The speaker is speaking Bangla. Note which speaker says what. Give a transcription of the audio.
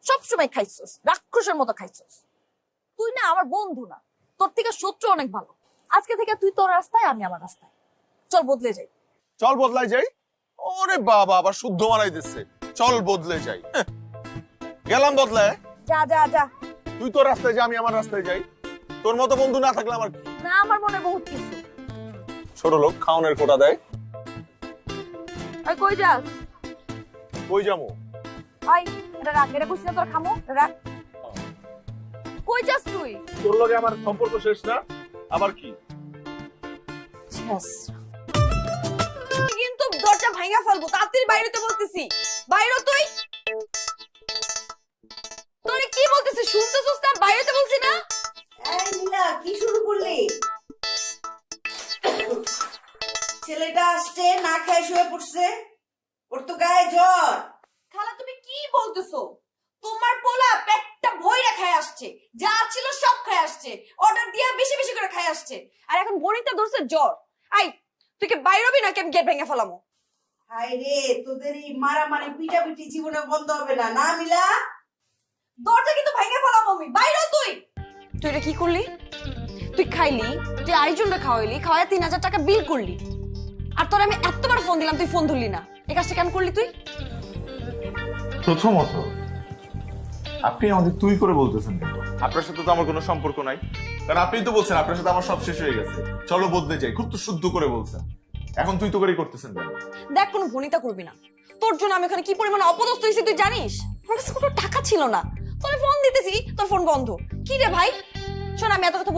Speaker 1: সবসময় খাইছস, রাক্ষসের মতো খাইছস। তুই না আমার বন্ধু না, তোর থেকে শত্রু অনেক ভালো। আজকে থেকে তুই তোর রাস্তায়, আমি আমার রাস্তায়। চল বদলে যাই।
Speaker 2: চল বদলাই যাই। ওরে বাবা, আবার শুদ্ধ মারাই দিচ্ছে। চল বদলে যাই। গেলাম বদলায়।
Speaker 1: যা যা যা।
Speaker 2: তুই তোর রাস্তায় যা, আমি আমার রাস্তায় যাই। তোর মতো বন্ধু না থাকলে আমার
Speaker 1: না, আমার মনে বহুত কিছু।
Speaker 2: ছোট লোক খাওনের কোটা দেয়।
Speaker 1: ওই কই যাস?
Speaker 2: কই যামু?
Speaker 1: ওই এটা রাখ, এটা কইছিস না তোর খামো, রাখ। কই যাস তুই?
Speaker 2: তোর লগে আমার সম্পর্ক শেষ না, আবার কি?
Speaker 1: কিন্তু দরজা ভাঙা ফেলবো, তাড়াতাড়ি বাইরে তো বলতেছি। বাইরে তুই। তোরে কি বলতেছিস শুনতেছিস না? বাইরে তো বলছি না।
Speaker 3: এই নীলা, কি শুরু করলি? ছেলেটা আসছে, না খেয়ে শুয়ে পড়ছে, ওর তো গায়ে জ্বর।
Speaker 1: খালা তুমি কি বলতেছো? তোমার পোলা পেটটা ভইরা খায় আসছে, যা ছিল সব খায় আসছে, অর্ডার দিয়া বেশি বেশি করে খায় আসছে, আর এখন গণিতটা ধরছে জ্বর। আই তুই কি বাইরে হবি নাকি আমি গেট ভেঙে ফেলামো?
Speaker 3: হাই রে, তোদের এই মারামারি পিটাপিটি জীবনে বন্ধ হবে না, না মিলা?
Speaker 1: দরজা কিন্তু ভেঙে ফেলামো আমি। বাইরে তুই। তুই এটা কি করলি? তুই খাইলি, তুই আরেকজনকে খাওয়াইলি, খাওয়ায় 3000 টাকা বিল করলি, আর তোর আমি এতবার ফোন দিলাম তুই ফোন ধরলি না। এই কাজটা কেন করলি তুই?
Speaker 4: প্রথমত আপনি আমাদের তুই করে বলতেছেন কেন?
Speaker 2: আপনার সাথে তো আমার কোনো সম্পর্ক নাই। কারণ আপনি তো বলছেন আপনার সাথে আমার সব শেষ হয়ে গেছে, চলো বদলে যাই। খুব তো শুদ্ধ করে বলছেন, এখন তুই তো করেই করতেছেন কেন?
Speaker 1: দেখ, কোনো ভনিতা করবি না। তোর জন্য আমি ওখানে কি পরিমাণে অপদস্থ হয়েছি তুই জানিস? আমার কাছে কোনো টাকা ছিল না, তোর ফোন দিতেছি তোর ফোন বন্ধ। কি রে ভাই, শোন আমি এত কথা